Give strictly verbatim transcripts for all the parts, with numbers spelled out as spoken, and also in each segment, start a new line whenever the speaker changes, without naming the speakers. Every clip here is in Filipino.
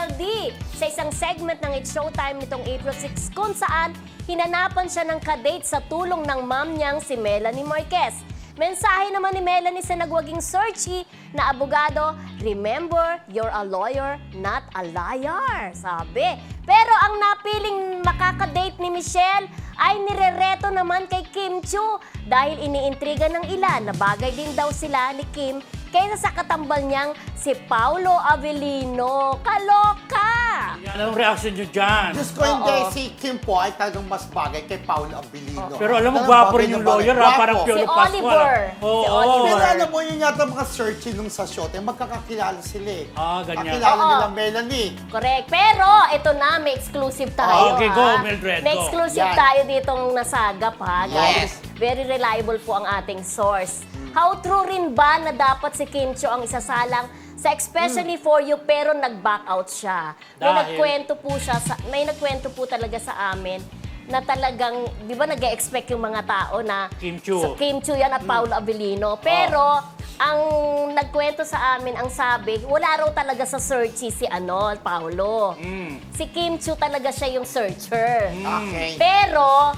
Michelle D sa isang segment ng It's Showtime nitong April sixth kung saan hinanapan siya ng kadate sa tulong ng mom niyang si Melanie Marquez. Mensahe naman ni Melanie sa nagwaging searchy na abogado, remember, you're a lawyer, not a liar, sabi. Pero ang napiling makakadate ni Michelle ay nirereto naman kay Kim Chiu dahil iniintriga ng ilan na bagay din daw sila ni Kim kaysa sa katambal niyang si Paulo Avellino. Kaloka!
Yan ang reaction nyo dyan.
Diyos ko, hindi.
Oo.
Si Kim po ay talagang mas bagay kay Paolo Abilino.
Pero alam mo,
Talagang
gwapo
bagay
rin yung
na bagay.
lawyer, ha?
Gwapo.
Parang Piolo
Si
Pascual.
Oliver.
Oo.
Si Oliver.
Pero alam mo, yun yata mga searching nung sa shot, eh, magkakakilala sila eh.
Ah, ganyan.
Kakilala
Oo.
nila Melanie.
Correct. Pero ito na, may exclusive tayo.
Okay,
ha?
go, Mildred,
May
go.
exclusive
Yan.
tayo ditong nasagap ha.
Yes.
Guys, very reliable po ang ating source. How true rin ba na dapat si Kim Chiu ang isasalang sa Especially For You pero nag-back out siya? May
Dahil?
nagkwento po siya, sa, may nagkwento po talaga sa amin na talagang, di ba nag-expect yung mga tao na
Kim Chiu.
sa Kim Chiu yan at Paolo Avellino. Pero, ang nagkwento sa amin, ang sabi, wala raw talaga sa searchy si ano, Paolo.
Mm.
Si Kim Chiu talaga siya yung searcher.
Okay.
Pero,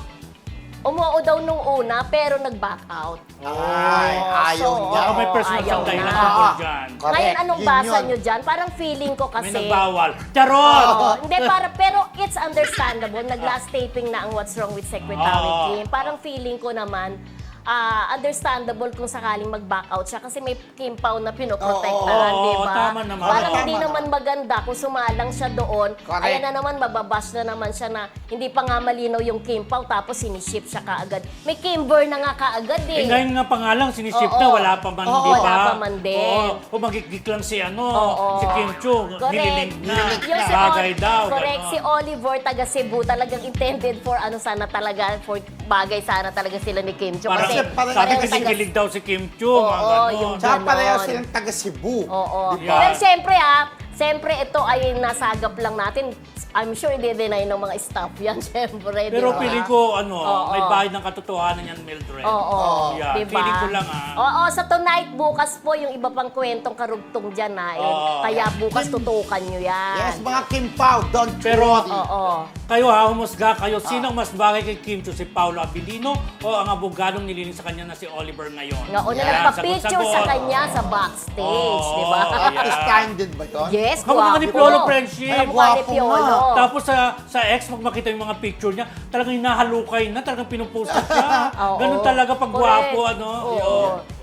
umuo daw nung una, pero nag-back out.
Ay, ayaw
So,
niya.
Baka may personal
ayaw
siyang dahilan
na.
tungkol dyan.
Correct.
Ngayon, anong
Yun
basa
yun.
nyo dyan? Parang feeling ko
May
kasi...
nagbawal. Charot!
Oo, hindi, para, pero it's understandable. Nag-last taping na ang What's Wrong with Secretary
Oo.
Kim. Parang feeling ko naman, ah, understandable kung sakaling mag-back out siya kasi may Kim Pao na pinoprotektahan,
Oo,
di ba?
tama naman.
Parang
Tama
hindi
naman.
naman maganda kung sumalang siya doon.
Correct.
Ayan na naman, mababash na naman siya na hindi pa nga malinaw yung Kim Pao tapos siniship siya kaagad. May Kimber na nga kaagad eh.
Eh, ngayon nga pa nga lang, sinisip
Oo.
na, wala pa man,
Oo,
di ba?
wala pa man din.
Oo, umagigik lang si ano,
Oo.
si Kim Chiu,
Correct.
nililink na,
Yung si
bagay
Ol-
daw.
Correct.
ganon.
Si Oliver, taga Cebu, talagang intended for ano sana talaga, for bagay sana talaga sila ni Kim Chiu.
Parang,
Kasi
parang-
sabi
parehas
kasi
taga-
kilig daw si Kim Chiu,
Oo,
mga ganon.
yung
Tsaka
ganon.
pareho silang taga Cebu.
Oo.
Di
ba?
Pero siyempre ha, siyempre ito ay nasagap lang natin. I'm sure i-deny ng mga staff yan, siyempre.
Pero
di ba?
feeling ko, ano,
Oo.
may bahid ng katotohanan yan, Mildred.
Oo,
Yeah,
diba?
feeling ko lang, ah.
Oo, sa tonight, bukas po, yung iba pang kwentong karugtong dyan na. Eh.
Oo.
Kaya bukas
Kim-
tutukan nyo yan.
Yes, mga Kim Pao, don't
Pero-
worry.
Oo.
Kayo ha, humusga kayo. Sino ang mas bagay kay Kim Chiu? Si Paolo Abilino o ang abogadong nililing sa kanya na si Oliver ngayon?
Nga, una
Yan,
nagpa-picture sa
sagot-sagot.
kanya sa backstage,
Oo,
di ba?
yeah.
Artist candid ba yun?
Yes,
Kamukha
guwapo.
ni Piolo friendship.
Kamukha ni
Guwapo
Piolo.
nga.
Tapos sa sa ex, pag makita yung mga picture niya, talagang hinahalukay na, talagang pinupost siya.
Oo.
Ganun talaga pag
Correct.
gwapo, ano.
Oo.
Yun.